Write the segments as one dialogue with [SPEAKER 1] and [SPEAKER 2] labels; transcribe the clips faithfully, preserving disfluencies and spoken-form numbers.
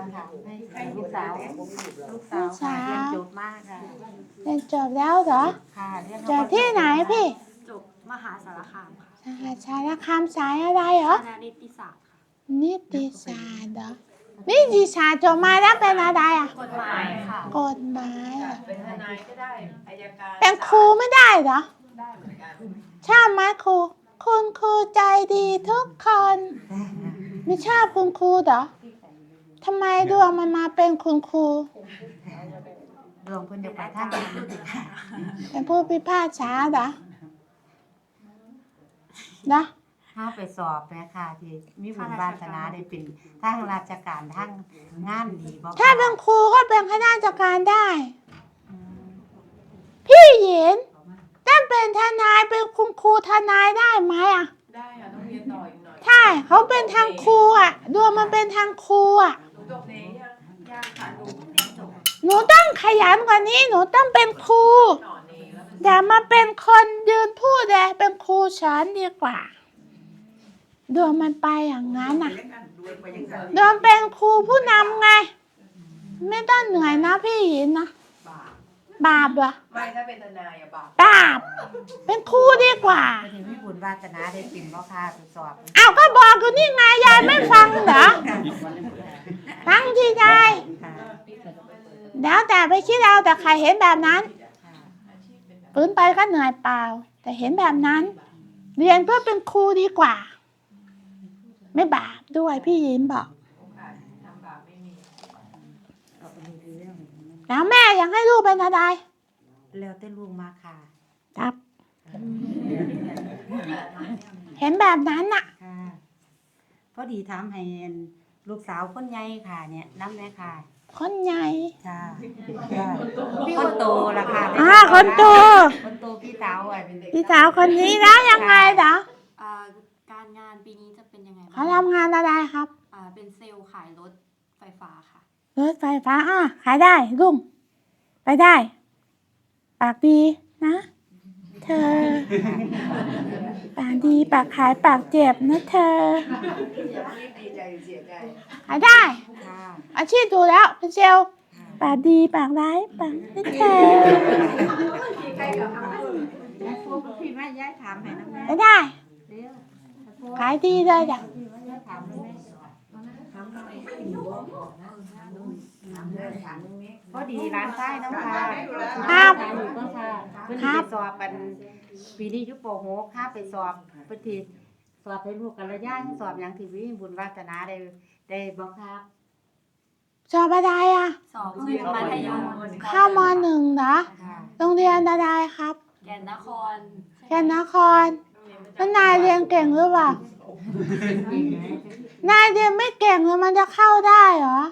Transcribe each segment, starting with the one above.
[SPEAKER 1] ค่ะให้ลูกสาวลูกสาวค่ะเรียนจบมากค่ะ
[SPEAKER 2] เรียนจบแล้วเหรอ
[SPEAKER 1] ค่ะเรียน
[SPEAKER 2] จบที่ไหนพี่
[SPEAKER 3] จบมหาสารคามค่ะ
[SPEAKER 2] สหสารคามสายอะไรเหรอ
[SPEAKER 3] คณะนิติศาสตร์ค่ะ
[SPEAKER 2] นิติศาสตร์เหรอนิติศาสตร์จบมาแล้วเป็นอะไรอ่ะ
[SPEAKER 3] กฎหมายค่ะ
[SPEAKER 2] กฎหมายอ่ะ
[SPEAKER 4] เป็นทนายก็ได้อัยการ
[SPEAKER 2] เป็นครูไม่ได้เหรอ
[SPEAKER 4] ได้เหมือนกัน
[SPEAKER 2] ชอบไหมครูคุณครูใจดีทุกคนไม่ชอบคุณครูเหรอทำไมดวงมันมาเป็นคุณครู
[SPEAKER 1] ดวงคุณจะไปทางไหน
[SPEAKER 2] เป็นผู้พิพากษาเหรอนะ
[SPEAKER 1] ถ้าไปสอบแม่ค่ะที่มีบุญวาสนาได้เป็นทางราชการทางงานดีบ่
[SPEAKER 2] ถ้าเป็นครูก็เป็นข้าราชการได้พี่หญิงถ้าเป็นทนายเป็นคุณครูทนายได้ไหมอ่ะ
[SPEAKER 4] ได้ค่ะต้องเรียนต่ออีกหน่อย
[SPEAKER 2] ใช่เขาเป็นทางครูอ่ะดวงมันเป็นทางครูอ่ะ
[SPEAKER 4] หนูจบเนยังยังค่ะหนูเพิ่งเรียนจบ
[SPEAKER 2] หนูต้องขยันกว่านี้หนูต้องเป็นครู
[SPEAKER 4] หน่อเนแล้วมัน
[SPEAKER 2] อย่ามาเป็นคนยืนพูดเลยเป็นครูสอนดีกว่าดวงมันไปอย่างนั้นอ่ะดวงเป็นครูผู้นำไงไม่ต้องเหนื่อยนะพี่หญิงนะ
[SPEAKER 4] บาป
[SPEAKER 2] บาปเหรอ
[SPEAKER 4] ไม่ถ้าเป็นทนายอะบาป
[SPEAKER 2] บาปเป็นครูดีกว่า
[SPEAKER 1] ที่มีบุญวาสนาได้เป็นบ่ค่ะไปสอบ
[SPEAKER 2] อ้าวก็บอกอยู่นี่ไงยายไม่ฟังเหรอฟังที่ยายแล้วแต่ไปคิดเอาแต่ใครเห็นแบบนั้นปืนไปก็เหนื่อยเปล่าแต่เห็นแบบนั้นเรียนเพื่อเป็นครูดีกว่าไม่บาปด้วยพี่ยิ้มบอกแล้วแม่อยากให้ลูกเป็นอะไร
[SPEAKER 1] แล้วแต่ลูกมาค่ะ
[SPEAKER 2] ครับเห็นแบบนั้นน่ะ
[SPEAKER 1] ค่ะพอดีถามให้ลูกสาวคนใหญ่ค่ะเนี่ยน้ำแม่ค่ะ
[SPEAKER 2] คนใหญ่
[SPEAKER 1] ค่ะคนโตละค่ะ
[SPEAKER 2] อ่าคนโต
[SPEAKER 1] คนโตพี่สาวอ่ะ
[SPEAKER 2] พี่สาวคนนี้แล้วยังไงเหรอ
[SPEAKER 3] การงานปีนี้จะเป็นยังไง
[SPEAKER 2] เขาทำงานอะไรครับ
[SPEAKER 3] อ่าเป็นเซลล์ขายรถไฟฟ้าค่ะ
[SPEAKER 2] รถไฟฟ้าอ่ะขายได้ลุงไปได้ปากดีนะเธอปากดีปากขายปากเจ็บนะเธอขายได้อาชีพดูแล้วเป็นเซลล์ปากดีปากร้ายปากนะเธอ
[SPEAKER 1] พี่แม่ย้ายถามให้นะแม่
[SPEAKER 2] ไปได้ขายดีเลยจ้ะ
[SPEAKER 1] พอดีร้านใต้น้องค่ะ
[SPEAKER 2] ครับ
[SPEAKER 1] เพื่อนไปสอบกันปีนี้ยุปโปโหค่าไปสอบเพื่อนที่สอบให้ลูกกันระยะสอบอย่างที่วิบุญวาสนาได้ได้บอกครับ
[SPEAKER 2] สอบอะไรอ่ะ
[SPEAKER 3] สอบเรียนมัธยม
[SPEAKER 2] เข้ามหนึ่งเหรอโรงเรียนอะไรครับ
[SPEAKER 3] แก่นนคร
[SPEAKER 2] แก่นนครแล้วนายเรียนเก่งหรือเปล่า นายเรียนไม่เก่งแล้วมันจะเข้าได้เหรอ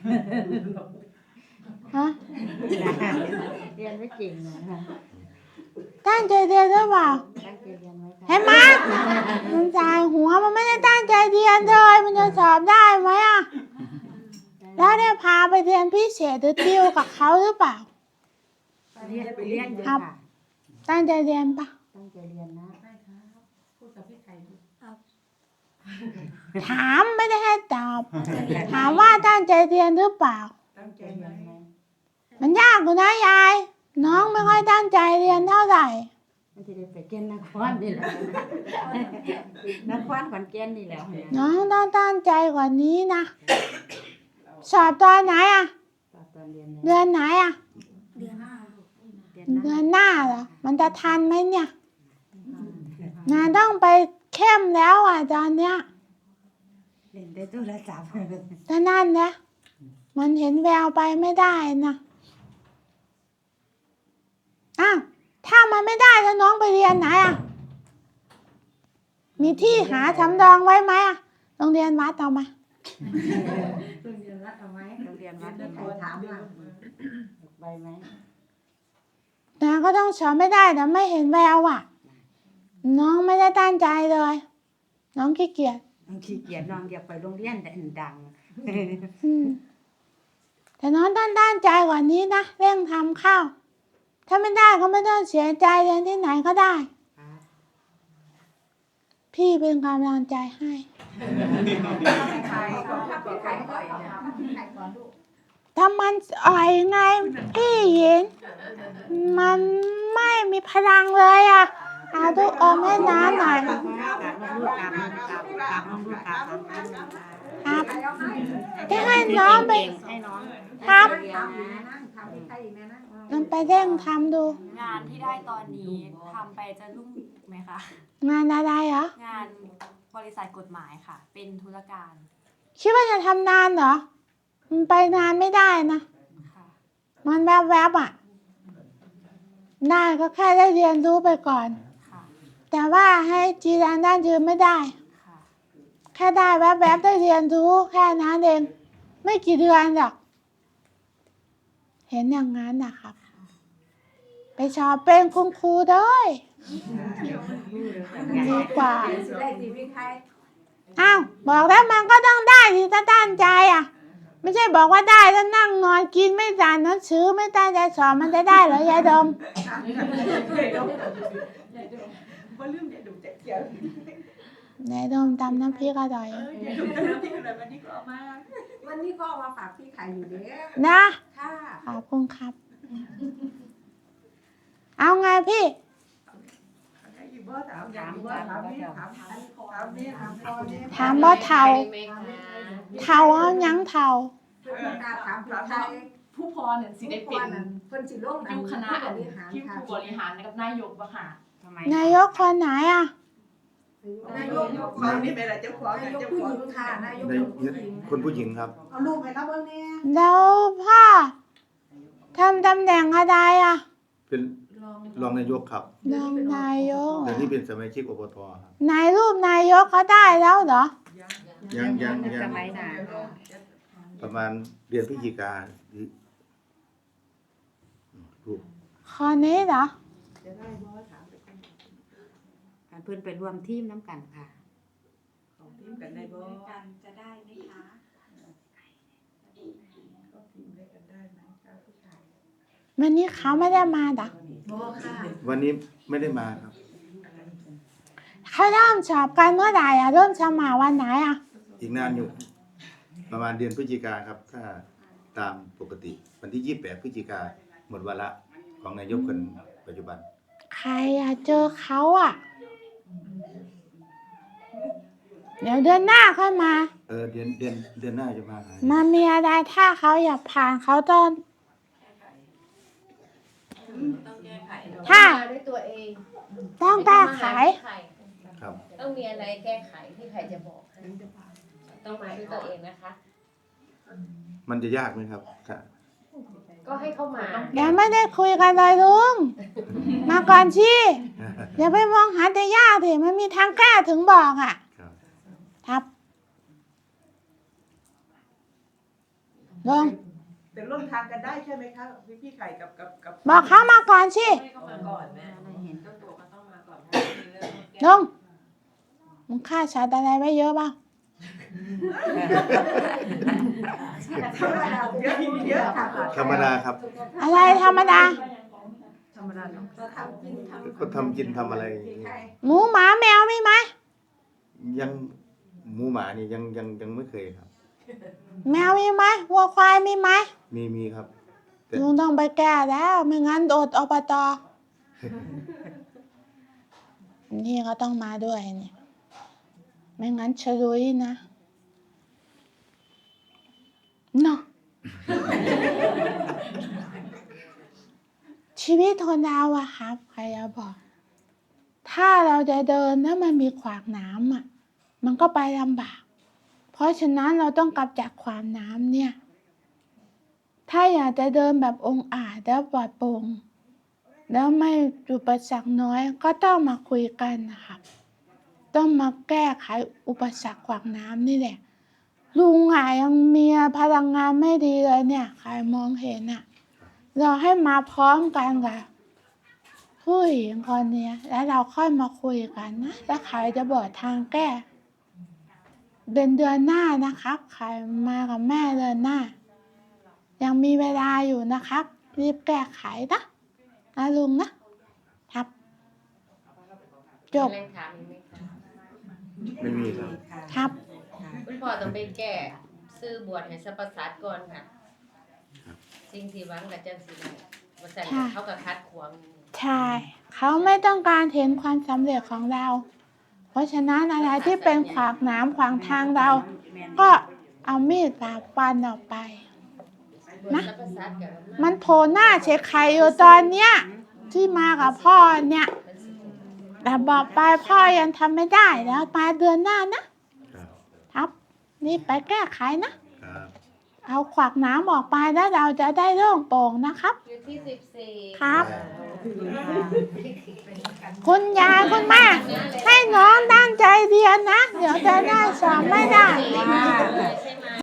[SPEAKER 2] ฮะ
[SPEAKER 1] เรียนไม่เก่งนะ
[SPEAKER 2] ตั้งใจเรียนหรือเปล่า
[SPEAKER 1] ตั้งใจเรียนไหม
[SPEAKER 2] เห็นไหมมันใจหัวมันไม่ได้ตั้งใจเรียนเลยมันจะสอบได้ไหมอ่ะแล้วได้พาไปเรียนพิเศษหรือติวกับเขาหรือเปล่า
[SPEAKER 1] เรียนไปเรียน
[SPEAKER 2] ครับตั้งใจเรียนปะ
[SPEAKER 1] ตั้งใจเรียนนะ
[SPEAKER 2] ถามไม่ได้ให้ตอบถามว่าตั้งใจเรียนหรือเปล่า
[SPEAKER 1] ตั้งใจเรียนไหม
[SPEAKER 2] มันยากกว่านะยายน้องไม่ค่อยตั้งใจเรียนเท่าไหร่
[SPEAKER 1] มันจะได้ไปเกณฑ์นครนี่แหละนครขอนแก่นนี่แหละ
[SPEAKER 2] น้องต้องตั้งใจกว่านี้นะสอบตอนไหนอ่ะเดือนไหนอ่ะ
[SPEAKER 3] เดือนหน้า
[SPEAKER 2] เดือนหน้าเหรอมันจะทันไหมเนี่ยงานต้องไปเข้มแล้วอ่ะตอนเนี้ย
[SPEAKER 1] เล่นได้ตู้ละจับ
[SPEAKER 2] แต่นั่นเนี่ยมันเห็นแววไปไม่ได้นะอ้าวถ้ามันไม่ได้แล้วน้องไปเรียนไหนอ่ะมีที่หาสำรองไว้ไหมอ่ะโรงเรียนวัดเอามา
[SPEAKER 1] โรงเรียนวัดเอาไหมโรงเรียนวัดใครถามว่าไปไหม
[SPEAKER 2] นะก็ต้องสอนไม่ได้แต่ไม่เห็นแววอ่ะน้องไม่ได้ตั้งใจเลยน้องขี้เกียจ
[SPEAKER 1] น้องขี้เกียจน้องอยากไปโรงเรียนแต่ดัง
[SPEAKER 2] แต่น้องต้องตั้งใจกว่านี้นะเร่งทำข้าวถ้าไม่ได้ก็ไม่ต้องเสียใจเรียนที่ไหนก็ได้พพี่เป็นกำลังใจให้
[SPEAKER 4] ใครก็ถ้าเป็นใครปล่อยเนี่ย
[SPEAKER 2] ถ้ามันอ่อยไงพี่เห็นมันไม่มีพลังเลยอ่ะเอาดูอมให้น้าหน่อย
[SPEAKER 1] กราบลูกกราบลูกกราบกราบลูกกราบ
[SPEAKER 2] ครับจะให้น้องไป
[SPEAKER 1] ให้น้อง
[SPEAKER 2] ครับ
[SPEAKER 1] เรียนนะ
[SPEAKER 2] มันไปเร่งทำดู
[SPEAKER 3] งานที่ได้ตอนนี้ทำไปจะรุ่งไหมคะ
[SPEAKER 2] งานอะไรเหรอง
[SPEAKER 3] านบริษัทกฎหมายค่ะ เป็นธุรการ
[SPEAKER 2] คิดว่าจะทำนานเหรอมันไปนานไม่ได้นะ
[SPEAKER 3] ค่ะ
[SPEAKER 2] มันแวบๆอ่ะได้ก็แค่ได้เรียนรู้ไปก่อน
[SPEAKER 3] ค่ะ
[SPEAKER 2] แต่ว่าให้จีรันด้านยืนไม่ได้
[SPEAKER 3] ค่ะ
[SPEAKER 2] แค่ได้แวบๆได้เรียนรู้แค่นั้นเองไม่กี่เดือนหรอกเห็นอย่างนั้นนะครับ ไปสอบเป็นคุณครูด้วยดีกว่าอ้าวบอกแล้วมันก็ต้องได้ที่ถ้าตั้งใจอ่ะ ไม่ใช่บอกว่าได้แล้วนั่งนอนกินไม่อ่านหนังสือไม่ตั้งใจสอบมันจะได้เหรอยายดมยายดมตำน้ำพริกอร่อย
[SPEAKER 5] วันนี้ก็เอามาฝากพี่ขายอยู่เด้อ
[SPEAKER 2] นะ
[SPEAKER 5] ค่ะ
[SPEAKER 2] ขอบคุณครับ เอาไงพี่
[SPEAKER 5] ถามถามว่าถามนี่ถามถามนี่ถามพ่อเนี่ย
[SPEAKER 2] ถามบ่เท่าเท่าเอาหยังเท่า
[SPEAKER 5] เพื่อนการถามผู้ไทย
[SPEAKER 6] ผู้พรเนี่ยสิได้เป็น
[SPEAKER 5] เพิ่นสิลง
[SPEAKER 6] อยู่คณะอัน
[SPEAKER 5] บริหาร
[SPEAKER 6] ที่
[SPEAKER 5] ค่ะ
[SPEAKER 6] ผู้บริหารกับนายกบ่ค่ะ
[SPEAKER 1] ทำไม
[SPEAKER 2] นายกคนไหนอ่ะ
[SPEAKER 5] นายกคนนี้เป็นอะไรเจ้าของนายกผู้หญิงค่ะนายก
[SPEAKER 7] ใน
[SPEAKER 5] ผู้หญิง
[SPEAKER 7] คนผู้หญิงครับ
[SPEAKER 5] เอาลูกให้เขาเบิ่งแน่
[SPEAKER 2] แล้วพ่อทำตำแหน่งอะไรอ่ะ
[SPEAKER 7] เป็นรองนายกครับ
[SPEAKER 2] รองนายก
[SPEAKER 7] แต่นี่เป็นสมาชิกอบตครับ
[SPEAKER 2] นายรูปนายกเขาได้แล้วเหรอ
[SPEAKER 7] ยังยังยั
[SPEAKER 1] ส
[SPEAKER 7] ง
[SPEAKER 1] มัยหนา
[SPEAKER 7] ประมาณเดือนพฤศจิกาหรือรูป
[SPEAKER 2] คนนี้เหรอ
[SPEAKER 5] จะได้บ่ถามไปกัน
[SPEAKER 1] เพื่อนไปรวมทีมน้ำกันค่ะ
[SPEAKER 5] ของทีมกันได้บ่
[SPEAKER 3] กันจะได้ไหมคะ
[SPEAKER 5] ก็ทีมได้กันได้ไหมคะผู้ชาย
[SPEAKER 2] วันนี้เขาไม่ได้มาเหรอ
[SPEAKER 5] บ่ค่ะ
[SPEAKER 7] วันนี้ไม่ได้มาครับ
[SPEAKER 2] เขาเริ่มสอบกันเมื่อไหร่อ่ะเริ่มสมัครวันไหนอ่ะ
[SPEAKER 7] อีกนานอยู่ ประมาณเดือนพฤศจิกาครับ ถ้าตามปกติ วันที่ยี่สิบแปดพฤศจิกาหมดวาระของนายกคนปัจจุบัน
[SPEAKER 2] ใครอ่ะเจอเขาอ่ะ เดี๋ยวเดือนหน้าค่อยมา
[SPEAKER 7] เออเดือนเดือนเดือนหน้าจะมาหา
[SPEAKER 2] มันมีอะไรถ้าเขาอยากผ่านเขาต้อง
[SPEAKER 4] ต้องแก้ไข
[SPEAKER 2] ถ้า
[SPEAKER 8] ด้วยตัวเอง
[SPEAKER 2] ต้องแก้ไข
[SPEAKER 7] ครับ
[SPEAKER 8] ต้องมีอะไรแก้ไขที่ใครจะบอกให้ต้องมาด้วยตัวเองนะคะ
[SPEAKER 7] มันจะยากไหมครับค่ะ
[SPEAKER 8] ก็ให้เข้ามา
[SPEAKER 2] ยังไม่ได้คุยกันเลยลุง มาก่อนชีอย่าไปมองหาแต่ยากสิมันมีทางแก้ถึงบอกอ่ะ
[SPEAKER 7] ครับ
[SPEAKER 2] ครับลง
[SPEAKER 5] แต่ร่วมทางกันได้ใช่ไหมคะพี่พี่ไข่กับกับกับ
[SPEAKER 2] บอกเขามาก่อนชี
[SPEAKER 4] ให้เขามาก่อนแม่เห็นต้นตัวเขาต้องมาก่อนเรื่องแก้
[SPEAKER 2] ลงมึงฆ่าสัตว์อะไรไว้เยอะบ้าง
[SPEAKER 5] เยอะเยอะค่ะ
[SPEAKER 7] ธรรมดาครับ
[SPEAKER 2] อะไรธรรมดา
[SPEAKER 5] ธรรมดาเนาะก็ทำกินทำ
[SPEAKER 7] ก็ทำกินทำอะไรอย่างนี้
[SPEAKER 2] หมูหมาแมวมีไหม
[SPEAKER 7] ยังหมูหมานี่ยังยังยังไม่เคยครับ
[SPEAKER 2] แมวมีไหมวัวควายมีไหม
[SPEAKER 7] มีมีครับ แต่
[SPEAKER 2] ลุงต้องไปแก้แล้วไม่งั้นโดดอบตนี่ก็ต้องมาด้วยเนี่ยไม่งั้นชลุยนะเนาะ ชีวิตคนเราอะครับใครจะบอก ถ้าเราจะเดินแล้วมันมีขวากหนามอะมันก็ไปลำบาก เพราะฉะนั้นเราต้องกำจัดขวากหนามเนี่ย ถ้าอยากจะเดินแบบองค์อาจและปลอดโปร่งแล้วไม่อุปสรรคน้อยก็ต้องมาคุยกันนะครับต้องมาแก้ไขอุปสรรคขวากหนามนี่แหละลุงอ่ะยังมีพลังงานไม่ดีเลยเนี่ยใครมองเห็นอ่ะเราให้มาพร้อมกันกับผู้หญิงคนเนี้ยแล้วเราค่อยมาคุยกันนะแล้วใครจะบอกทางแก้เดือนเดือนหน้านะครับใครมากับแม่เดือนหน้า ยังมีเวลาอยู่นะครับรีบแก้ไขนะนะลุงนะครับจบ
[SPEAKER 8] อะไรถามอีกไหมคะ
[SPEAKER 7] ไม่มีครับ
[SPEAKER 2] ครับ
[SPEAKER 8] คุณพ่อต้องไปแก้ซื้อบวชให้สรรพสัตว์ก่อนค่ะสิ่งที่หวังกับจังสิได้บ่ซั่นเขาก็คัดขวาง
[SPEAKER 2] ใช่ เขาไม่ต้องการเห็นความสำเร็จของเรา เพราะฉะนั้นอะไรที่เป็นขวากหนามขวางทางเรา ก็เอามีดปาบฟันออกไป นะ
[SPEAKER 8] สรรพสัตว์ก็
[SPEAKER 2] มันโผล่หน้าเช็คไข่อยู่ตอนเนี้ย ที่มากับพ่อเนี่ย แต่บอกไปพ่อยังทำไม่ได้แล้วมาเดือนหน้านะ
[SPEAKER 7] ครับ
[SPEAKER 2] ครับ นี่ไปแก้ไขนะ
[SPEAKER 7] ครับ
[SPEAKER 2] เอาขวากหน้ำออกไปแล้วเราจะได้โล่งโปร่งนะครับ
[SPEAKER 8] อยู่ที่สิบสี่
[SPEAKER 2] ครับ คุณยายคุณแม่ให้น้องตั้งใจเรียนนะ เดี๋ยวจะได้สอบไม่ได้
[SPEAKER 8] ใช่ไหม